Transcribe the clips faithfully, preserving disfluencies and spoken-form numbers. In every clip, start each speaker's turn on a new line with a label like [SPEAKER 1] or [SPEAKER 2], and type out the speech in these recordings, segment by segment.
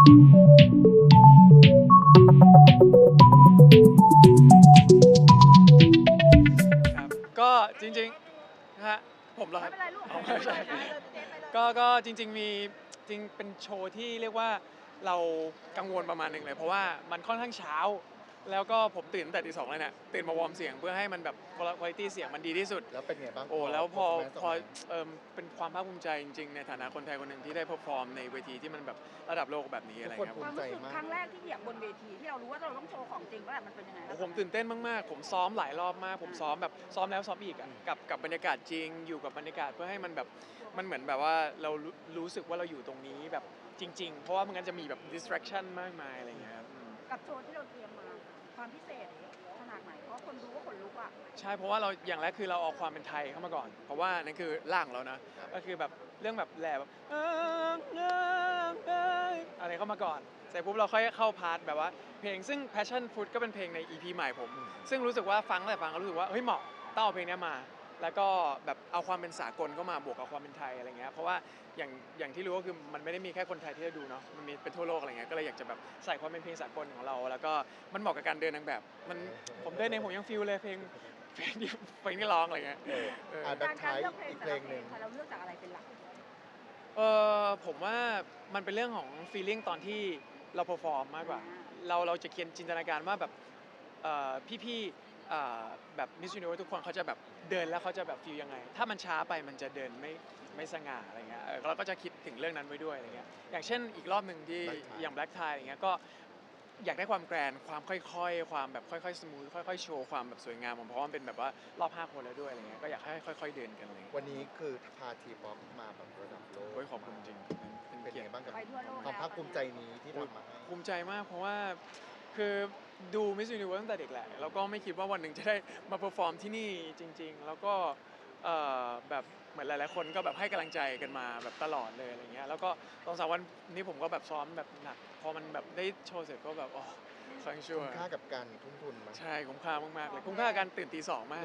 [SPEAKER 1] ครับก็จริงๆนะฮะผมเหรอค
[SPEAKER 2] ไม่
[SPEAKER 1] รับ
[SPEAKER 2] เป็นไรลูก
[SPEAKER 1] อ๋อ
[SPEAKER 2] ไม่
[SPEAKER 1] ไม่
[SPEAKER 2] เป็นไร
[SPEAKER 1] ใช่
[SPEAKER 2] เลยเจ๊ไปเลย
[SPEAKER 1] ก็ก็จริงๆมีจริงเป็นโชว์ที่เรียกว่าเรากังวลประมาณหนึ่งเลยเพราะว่ามันค่อนข้างเช้าแล้วก็ผมตื่นตั้งแต่ตีสองเลยเนี่ยตื่นมาวอร์มเสียงเพื่อให้มันแบบคุณภาพเสียงมันดีที่สุด
[SPEAKER 3] แล้วเป็นไงบ้าง
[SPEAKER 1] โอ้แล้วพอ
[SPEAKER 3] performance
[SPEAKER 1] พอ
[SPEAKER 3] ออกมา
[SPEAKER 1] เออเป็นความภาคภูมิใจจริงๆในฐานะคนไทยคนหนึ่งที่ได้เพอร์ฟอร์มในเวทีที่มันแบบระดับโลกแบบนี้อะไรเงี้ย
[SPEAKER 3] ทุก
[SPEAKER 2] ค
[SPEAKER 3] คน
[SPEAKER 2] วามรู้สึกครั้งแรกที่เหยียบบนเวทีที่เรารู้ว่าเราต้องโชว์ของจริงว่ามันเป็นยังไง
[SPEAKER 1] โอ้ผมตื่นเต้นมากๆผมซ้อมหลายรอบมากผมซ้อมแบบซ้อมแล้วซ้อมอีกอะกับกับบรรยากาศจริงอยู่กับบรรยากาศเพื่อให้มันแบบมันเหมือนแบบว่าเรารู้รู้สึกว่าเราอยู่ตรงนี้แบบจริงๆเพราะว่ามันงั้นจะมีแบบ distraction มากมายอะไรเงี้ยครับอืม
[SPEAKER 2] กับโชว์ที่เราเตรียมมาความพิเศษขนาดไหนเพราะคนดูก็ขนลุกอ่ะ
[SPEAKER 1] ใช่เพราะว่าเราอย่างแรกคือเราเอาความเป็นไทยเข้ามาก่อน เพราะว่านั่นคือร่างของเรานะก็คือแบบเรื่องแบบแหล่แบบเอิงเอิงเอิงอะไรเข้ามาก่อนเสร็จปุ๊บเราค่อยเข้าพาร์ทแบบว่าเพลงซึ่ง Passion Fruit ก็เป็นเพลงใน อี พี ใหม่ผม ซึ่งรู้สึกว่าฟังแต่ฟังก็รู้สึกว่าเฮ้ยเหมาะต้องเอาเพลงนี้มา แล้วก็แบบเอาความเป็นสากลเข้ามาบวกกับความเป็นไทยอะไรเงี้ยเพราะว่าอย่างอย่างที่รู้ก็คือมันไม่ได้มีแค่คนไทยที่จะดูเนาะมันมีเป็นทั่วโลกอะไรเงี้ยก็เลยอยากจะแบบใส่ความเป็นเพลงสากลของเรา แล้วก็มันเหมาะกับการเดินนางแบบมันผมเดินเองผมยังฟิลเลยเพลงเพลงที่เพลงที่ร้องอะไรเงี้ย
[SPEAKER 3] เออ
[SPEAKER 1] เออ
[SPEAKER 3] อ่ะ
[SPEAKER 2] การการเลือกเพลง
[SPEAKER 3] อีก
[SPEAKER 2] แต่
[SPEAKER 3] เพล
[SPEAKER 2] ละ
[SPEAKER 3] ง
[SPEAKER 2] เพ
[SPEAKER 3] ห
[SPEAKER 2] ล
[SPEAKER 3] นึ่
[SPEAKER 2] ง
[SPEAKER 3] ง
[SPEAKER 2] ค่ะเราเลือกจากอะไรเป็นหลัก
[SPEAKER 1] เออผมว่ามันเป็นเรื่องของ feeling ตอนที่เรา perform มากกว่า เราเราจะเขียนจินตนาการว่าแบบเอ่อพี่ๆเอ่อแบบ Miss Universe ทุกคนเขาจะแบบเดินแล้วเขาจะแบบฟีลยังไง ถ้ามันช้าไปมันจะเดินไม่ไม่สง่าอะไรเงี้ยเออเราก็จะคิดถึงเรื่องนั้นไว้ด้วยอะไรเงี้ยอย่างเช่นอีกรอบหนึ่งที่
[SPEAKER 3] Black Tie
[SPEAKER 1] อย่าง Black Tie อย่างเงี้ยก็อยากได้ความแกรนด์ความค่อยๆ ความแบบค่อยๆ smooth ค่อยๆ โชว์ความแบบสวยงามผมเพราะว่ามันเป็นแบบว่ารอบห้าคนแล้วด้วยอะไรเงี้ยก็อยากให้ค่อยๆเดินกันอะไรเลย
[SPEAKER 3] วันนี้คือพาทีป๊อปมาแบบระดับโลก
[SPEAKER 1] โอ้ยขอบคุณจริงๆเป็น
[SPEAKER 3] เป็น
[SPEAKER 1] เกีย
[SPEAKER 3] ไง
[SPEAKER 1] รติ
[SPEAKER 3] บ้างกับ
[SPEAKER 2] ไปทั่วโลก
[SPEAKER 3] ความ
[SPEAKER 2] แล้ว
[SPEAKER 3] ภาคภูมิใจนี้ที่ทำมาให้
[SPEAKER 1] ภูมิใจมากเพราะว่าคือดู Miss Universe ตั้งแต่เด็กแหละแล้วก็ไม่คิดว่าวันหนึ่งจะได้มาเ e อร์ฟอร์มที่นี่จริงๆ แล้วก็เอ่อแบบเหมือนหลายๆคนก็แบบให้กำลังใจกันมาแบบตลอดเลยอะไรเงี้ยแล้วก็ตอนสามวันนี้ผมก็แบบซ้อมแบบหนักพอมันแบบได้โชว์เสร็จก็แบบอ๋อฟังชัว
[SPEAKER 3] คุ้มค่ากับการทุ่มทุนมา
[SPEAKER 1] ใช่คุ้มค่ามากๆเลยคุ้มค่ากับการตื่นตีสองมาก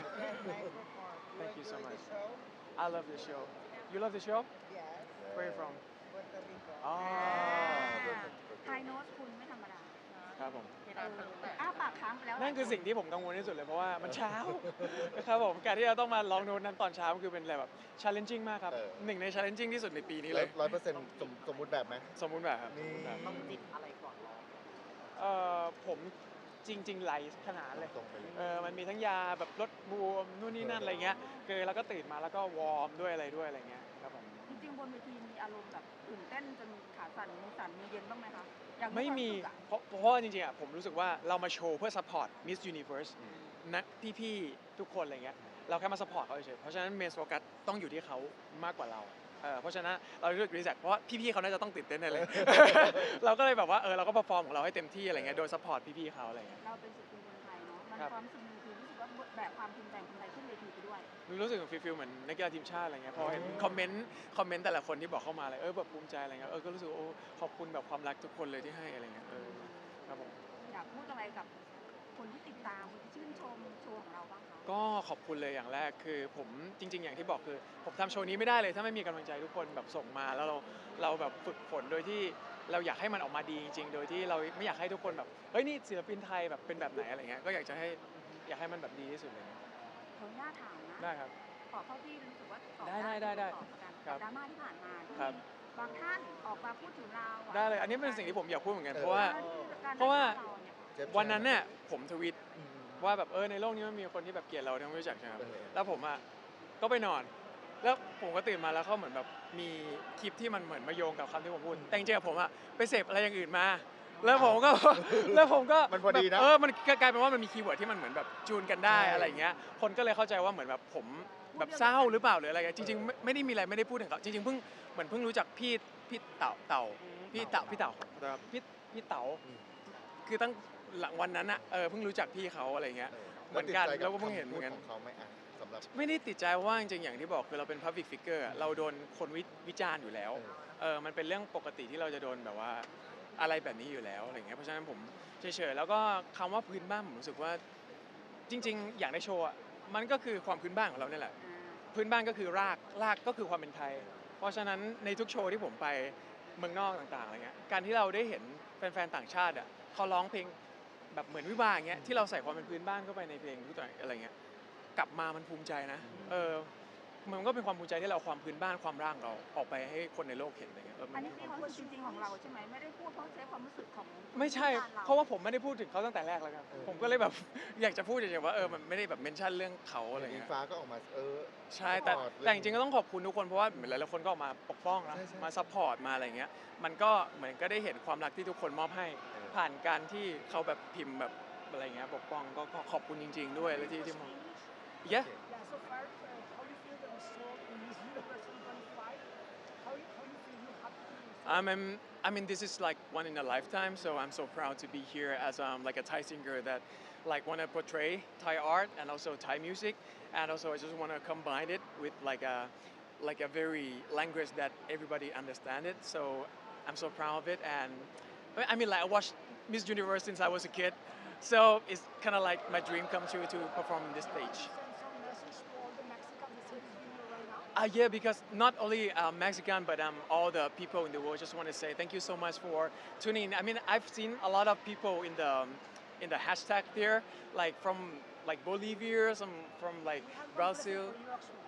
[SPEAKER 1] Thank you so much I love the show You love the show Where you from อ๋อ
[SPEAKER 2] ไฮโน้ตคุณไม่ธรรมดา
[SPEAKER 1] ครับผม
[SPEAKER 2] เอออ้าปากค้างไปแล้ว
[SPEAKER 1] นั่นคือสิ่งที่ผมกังวลที่สุดเลยเพราะว่ามันเช้า นะครับผมการที่เราต้องมาร้องโน้ตนั้นตอนเช้ามันคือเป็นอะไรแบบ challenging มากครับ
[SPEAKER 3] เออ
[SPEAKER 1] หนึ่งใน challenging ที่สุดในปีนี้เล
[SPEAKER 3] ร้อย ยร้อยเปอร์เซ็นต์สมสมมุติแบบไหม
[SPEAKER 1] สมมุติแบบครับส
[SPEAKER 3] นี่
[SPEAKER 1] มมุติแบบ
[SPEAKER 4] ต้องจิบอะไรก่อนร้อง
[SPEAKER 1] เอ่อผมจริง ๆ ไหลขนาดเลย
[SPEAKER 3] ตรงไปเลย
[SPEAKER 1] เออมันมีทั้งยาแบบลดบวมนู่นนี่นั่นอะไรเงี้ยคือเราก็ตื่นมาแล้วก็วอร์มด้วยอะไรด้วยอะไรเงี้ยครับผม
[SPEAKER 2] จริงๆบนเวทีมีอารมณ์แบบตื่นเต้นจนขาสั่นมือสั่นมือเย็นบ้างไหมคะอยากรู้
[SPEAKER 1] ไม่มี
[SPEAKER 2] ควารู้สึกอะ
[SPEAKER 1] เพราะเพราะว่าจริงๆอ่ะผมรู้สึกว่าเรามาโชว์เพื่อ support Miss Universe นะพี่ๆทุกคนอะไรเงี้ยเราแค่มา support เขาเฉยๆเพราะฉะนั้น main focus ต้องอยู่ที่เขามากกว่าเราเออเพราะฉะนั้นเราเลือกรีแซคเพราะว่าพี่ๆเขาน่าจะต้องตื่นเต้นแน่เลย เราก็เลยแบบว่าเออเราก็ perform ของเราให้เต็มที่อะไรเงี้ยโดย support พี่ๆเขาอะไรเงี้ย
[SPEAKER 2] เราเป็นศิลปินคนไทยเนาะมัน
[SPEAKER 1] ครับ
[SPEAKER 2] ความรู้สึกหนึงคือรู้สึกว่าแบกความภูมิใจคนไทยขึ้นเวทีไปด้วย
[SPEAKER 1] รู้สึกฟีลๆเหมือนนักกีฬาทีมชาติอะไรเงี้ยพอเห็นคอมเมนต์คอมเมนต์แต่ละคนที่บอกเข้ามาเลยเออแบบภูมิใจอะไรเงี้ยเออก็รู้สึกว่าโอ้ขอบคุณแบบความรักทุกคนเลยที่ให้อะไรเงี้ยเออครับผม
[SPEAKER 2] อยากพูดอะไรกับคนที่ติดตามคนที่ชื่นชมโชว์ของเราบ้างคะ
[SPEAKER 1] ก็ขอบคุณเลยอย่างแรกคือผมจริง ๆ อย่างที่บอกคือผมทำโชว์นี้ไม่ได้เลยถ้าไม่มีกำลังใจทุกคนแบบส่งมาแล้วเราเราแบบฝึกฝนโดยที่เราอยากให้มันออกมาดีจริงๆ โดยที่เราไม่อยากให้ทุกคนแบบเฮ้ยนี่ศิลปินไทยแบบเป็นแบบไหนอะไรเงี้ยก็อยากจะให้อยากให้มันแบบดีที่สุดเลย
[SPEAKER 2] ขออนุญาตถามนะ
[SPEAKER 1] ได้ครับ
[SPEAKER 2] ขอเข้าที่รู้สึกว่าตอบ
[SPEAKER 1] ได้ได้ได้ได้
[SPEAKER 2] ตอบกัน
[SPEAKER 1] ครับ
[SPEAKER 2] ดราม่าที่ผ่านมาที่
[SPEAKER 1] ครับ
[SPEAKER 2] มีบางท่านออกมาพูดถึงเราะ
[SPEAKER 1] ได้เลยอันนี้เป็นสิ่งที่ผมอยากพูดเหมือนกัน
[SPEAKER 3] เออ
[SPEAKER 1] เพราะว่า
[SPEAKER 2] กได้
[SPEAKER 1] เพราะว่า
[SPEAKER 2] เเนี่ย
[SPEAKER 3] เจฟ
[SPEAKER 1] วันนั้นเนี่ยผมทวิต
[SPEAKER 3] อืม
[SPEAKER 1] ว่าแบบเออในโลกนี้มันมีคนที่แบบเกลียดเราทั้งไม่รู้จักใช่ไหมครับ
[SPEAKER 3] เออ
[SPEAKER 1] แล้วผมอ่ะก็ไปนอน แล้วผมก็ตื่นมาแล้วเขาเหมือนแบบมีคลิปที่มันเหมือนมาโยงกับคำที่ผมพูดแต่จริงๆอะผมอ่ะไปเสพอะไรอย่างอื่นมา แล้วผมก็ แล้วผมก็
[SPEAKER 3] มันพอดีนะ
[SPEAKER 1] แบบเออมันกลายเป็นว่ามันมีคีย์เวิร์ดที่มันเหมือนแบบจูนกันได้
[SPEAKER 3] ใช่
[SPEAKER 1] อะไรอย่างเงี้ยคนก็เลยเข้าใจว่าเหมือนแบบผมแบบเศร้าหรือเปล่าหรืออะไรเงี้ยจริงๆไม่ไม่ได้มีอะไรไม่ได้พูดถึงเขาจริงๆเพิ่งเหมือนเพิ่งรู้จักพี่พี่เต่าเต่าพี่เต่าพี่เต่าพี่พี่เต๋า
[SPEAKER 3] อืม
[SPEAKER 1] คือตั้งหลังวันนั้นอะเออเพิ่งรู้จักพี่เขาอะไรเงี้ย เหมือนกัน
[SPEAKER 3] ติดใจ
[SPEAKER 1] แล้วก็เพิ่งเห็นเหมือนกัน
[SPEAKER 3] คำพูดของเขาไหมอ่ะสำหรับ
[SPEAKER 1] ไม่ได้ติดใจเพราะว่าจริงๆอย่างที่บอกคือเราเป็น public figure อะเราโดนคนวิวิจารณ์อยู่แล้ว
[SPEAKER 3] เออ
[SPEAKER 1] เออมันเป็นเรื่องปกติที่เราจะโดนแบบว่าอะไรแบบนี้อยู่แล้วอะไรเงี้ยเพราะฉะนั้นผมเฉยๆแล้วก็คำว่าพื้นบ้านผมรู้สึกว่าจริง ๆ อย่างในโชว์อะมันก็คือความพื้นบ้านของเราเนี่ยแหละ
[SPEAKER 2] อ่า
[SPEAKER 1] พื้นบ้านก็คือรากรากก็คือความเป็นไทย เพราะฉะนั้นในทุกโชว์ที่ผมไปเมืองนอกต่างๆอะไรเงี้ยการที่เราได้เห็นแฟนๆต่างชาติอ่ะเขาร้องเพลงแบบเหมือนวิวาห์อย่างเงี้ยที่เราใส่ความเป็นพื้นบ้านเข้าไปในเพลงทุกตัวอะไรเงี้ยกลับมามันภูมิใจนะเออมันก็เป็นความภูมิใจที่เราเอาความพื้นบ้านความร่างเราออกไปให้คนในโลกเห็นอะไรเงี้ยเออมั
[SPEAKER 2] อัน
[SPEAKER 1] น
[SPEAKER 2] นี้
[SPEAKER 1] มี
[SPEAKER 2] เป็น
[SPEAKER 1] ความ
[SPEAKER 2] ความรู้สึกจริงๆของเราใช่ไหมไม่ได้พูดเพราะใช้ความรู้สึกของ
[SPEAKER 1] ไม่ใช่ เพราะว่าผมไม่ได้พูดถึงเขาตั้งแต่แรกแล้วครับผมก็เลยแบบ อยากจะพูดเฉยๆว่าเออมันไม่ได้แบบเมนชั่นเรื่องเขาอะไร
[SPEAKER 3] อิง
[SPEAKER 1] เงี้ย
[SPEAKER 3] ฟ้าก็ออกมาเออ
[SPEAKER 1] ใช่แต่
[SPEAKER 3] support
[SPEAKER 1] แต่จริงๆก็ต้องขอบคุณทุกคนเพราะว่าเหมือนหลายๆคนก็ออกมาปกป้องนะ
[SPEAKER 3] ใช่ใช่
[SPEAKER 1] มาซัพพอร์ตมาอะไรเงี้ยมันก็เหมือนก็ได้เห็นความรักที่ทุกคนมอบให้
[SPEAKER 3] เออ
[SPEAKER 1] ผ่านการที่เขาแบบพิมพ์แบบอะไรเงี้ยปกป้องก็ก็ขอบคุณจริง ๆ ด้วยและที่ที่มอง yeah
[SPEAKER 4] Yeah, so far, uh, how you feel that we saw in this University twenty-five? How you, how you feel you happy?
[SPEAKER 1] I mean, I mean, this is like one in a lifetime, so I'm so proud to be here as um, like a Thai singer that like want to portray Thai art and also Thai music, and also I just want to combine it with like a like a very language that everybody understand it. So I'm so proud of it, and I mean, like I watched Miss Universe since I was a kid, so it's kind of like my dream come true to perform on this stage.
[SPEAKER 4] Send some message to all the Mexicans that is here right now.
[SPEAKER 1] Uh, yeah, because not only uh, Mexican, but um, all the people in the world just want to say thank you so much for tuning in. I mean, I've seen a lot of people in the um, in the hashtag there, like from like Bolivia, some from like
[SPEAKER 4] We have one
[SPEAKER 1] Brazil.
[SPEAKER 4] present for you actually.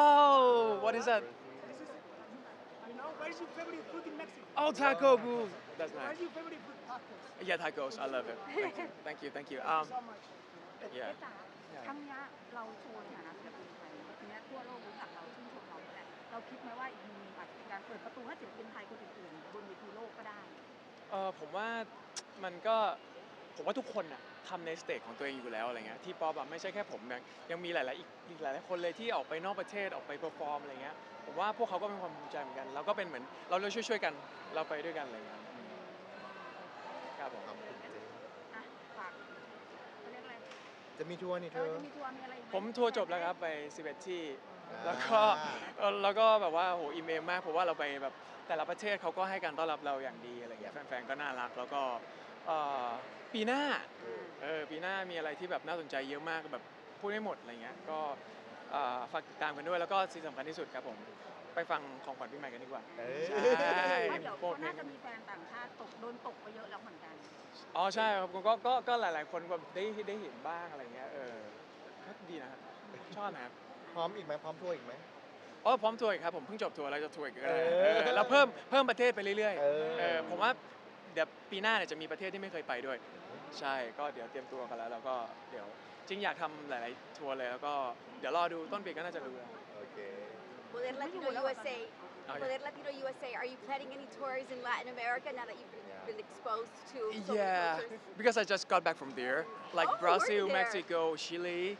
[SPEAKER 1] Oh, what is that?
[SPEAKER 4] This is, you know, what is your favorite food in Mexico?
[SPEAKER 1] Oh, taco booth. That's
[SPEAKER 4] What
[SPEAKER 1] nice.
[SPEAKER 4] is your favorite food? Tacos.
[SPEAKER 1] Yeah, tacos. I love it. Thank you, thank you, thank you.
[SPEAKER 4] Thank
[SPEAKER 1] Um,
[SPEAKER 4] you so much.
[SPEAKER 2] เอ๊ะ
[SPEAKER 1] yeah.
[SPEAKER 2] จ๋าครั้งเนี้ยเราโชว์ในฐานะศิลปินไทยทีเนี้ยทั่วโลกรู้จักเราชื่นชมเราแหละเราคิดไหมว่าอีกมุมหนึงอาจจะเป็นการเปิดประตูให้ศิลปินไทยคนอื่นๆบนเวทีโลกก็ได้
[SPEAKER 1] เออผมว่ามันก็ผมว่าทุกคนน่ะทำในสเตจของตัวเองอยู่แล้วอะไรเงี้ยที่ป๊อปอะไม่ใช่แค่ผมยังยังมีหลายๆอีกอีกหลายๆคนเลยที่ออกไปนอกประเทศออกไปเปอร์ฟอร์มอะไรเงี้ยผมว่าพวกเขาก็เป็นความภูมิใจเหมือนกันเราก็เป็นเหมือนเราเลยช่วยๆกันเราไปด้วยกันอะไรเงี้ยครับผม
[SPEAKER 3] ขอบคุณเจ
[SPEAKER 2] อ่ะฝากเขาเรียกอะไร
[SPEAKER 3] จะมีทัวร์นี่
[SPEAKER 2] เอ
[SPEAKER 3] เธ
[SPEAKER 2] อ
[SPEAKER 3] อ
[SPEAKER 2] จะมีทัวร์มีอะไรอีกไห
[SPEAKER 1] ผมทัวร์จบแล้วครับไปสิบเอ็ดที่
[SPEAKER 3] อ่า
[SPEAKER 1] แล้วก็เออแล้วก็แบบว่าโหอิมเอมมากเพราะว่าเราไปแบบแต่ละประเทศเขาก็ให้การต้อนรับเราอย่างดีอะไรเงี้ยแฟนๆก็น่ารักแล้วก็เอ่อปีหน้า เออปีหน้ามีอะไรที่แบบน่าสนใจเยอะมากแบบพูดไม่หมดอะไรเงี้ยก็เอ่อฝากติดตามกันด้วยแล้วก็สิ่งสำคัญที่สุดครับผมไปฟังของขวัญปีใหม่กันดีกว่า
[SPEAKER 3] เอ้
[SPEAKER 1] ใช่
[SPEAKER 3] ย
[SPEAKER 2] เพราะเดี๋ยว
[SPEAKER 1] โปร
[SPEAKER 2] ก็
[SPEAKER 1] ดเพล
[SPEAKER 2] น่าง จะมีแฟนต่างชาติตกโดนตกไปเยอะแล้วเหมือนกัน
[SPEAKER 1] อ๋อใช่ครับก็ก็ก็ก็หลาย ๆ คนแบบได้ได้เห็นบ้างอะไรเงี้ยเออก็ดีนะครับชอบนะครับ
[SPEAKER 3] พร้อมอีกไหมพร้อมทัวร์อีกไหม
[SPEAKER 1] อ๋อพร้อมทัวร์อีกครับผมเพิ่งจบทัวร์แล้วจะทัวร์อีกก็ได้
[SPEAKER 3] เออ
[SPEAKER 1] เออแล้วเพิ่มเพิ่มประเทศไปเรื่อย
[SPEAKER 3] เออ
[SPEAKER 1] ๆเออผมว่าเดี๋ยวปีหน้าเนี่ยจะมีประเทศที่ไม่เคยไปด้วย ใช่ก็เดี๋ยวเตรียมตัวกันแล้วแล้วก็เดี๋ยวจริงอยากทำหลาย ๆ ทัวร์เลยแล้วก็เดี๋ยวรอดูต้นปีก็น่าจะรู้แล้ว
[SPEAKER 3] โอเค
[SPEAKER 5] Poder Latino U S A.
[SPEAKER 1] Oh, yeah.
[SPEAKER 5] Poder Latino U S A. Are you planning any tours in Latin America now that you've
[SPEAKER 3] Yeah.
[SPEAKER 5] been exposed to so many
[SPEAKER 1] Yeah,
[SPEAKER 5] cultures?
[SPEAKER 1] because I just got back from there, like
[SPEAKER 5] Oh, where
[SPEAKER 1] Brazil,
[SPEAKER 5] there?
[SPEAKER 1] Mexico, Chile.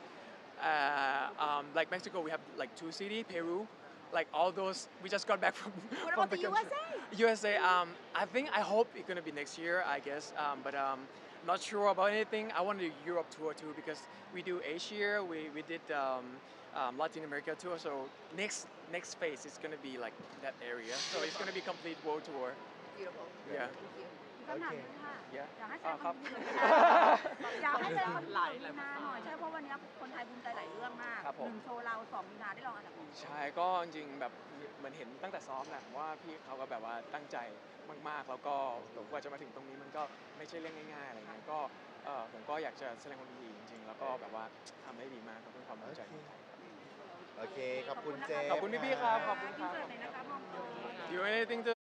[SPEAKER 1] Uh, um, like Mexico, we have like two cities, Peru, like all those. We just got back from.
[SPEAKER 5] What
[SPEAKER 1] from
[SPEAKER 5] about
[SPEAKER 1] the
[SPEAKER 5] the U S
[SPEAKER 1] country.
[SPEAKER 5] A?
[SPEAKER 1] U S A. Um, I think I hope it's gonna be next year, I guess. Um, but um, not sure about anything. I want to do Europe tour too because we do Asia. We we did um, um, Latin America tour. So next next phase is gonna be like that area. So it's gonna be complete world tour.
[SPEAKER 5] Beautiful.
[SPEAKER 1] Yeah.
[SPEAKER 5] Thank you.
[SPEAKER 2] คำถามหนึงค่ะ
[SPEAKER 1] Yeah.
[SPEAKER 2] อยากให้แสด
[SPEAKER 1] อ่าง
[SPEAKER 2] ค
[SPEAKER 1] ครั
[SPEAKER 2] วา
[SPEAKER 1] บ
[SPEAKER 2] มยินดีอยากให้แสดงความยินดีกับมีนาหน่อยใช่เพราะวันนี้คนไทยภูมิใจหลายเรื่องมาก
[SPEAKER 1] ครับผม
[SPEAKER 2] หนึ่งโชว์เราสองมีนาได้รองอันดับหนึ่ง
[SPEAKER 1] ใช่ก็จริงๆแบบเหมือนเห็นตั้งแต่ซ้อมแหละว่าพี่เขาก็แบบว่าตั้งใจมากๆ แล้วก็กว่าจะมาถึงตรงนี้มันก็ไม่ใช่เรื่องง่ายๆอะไรเงี้ยก็เออผมก็อยากจะแสดงความยินดีจริงๆ แล้วก็แบบว่าทำได้ดีมากครับเป็นความภูมิใจของไทย
[SPEAKER 3] โอเค ขอบคุณเจ
[SPEAKER 1] ขอบคุณพี่ๆครับขอบคุณครับ
[SPEAKER 2] อินเสิร์ตหน่อยนะคะมอง
[SPEAKER 1] Do you want anything to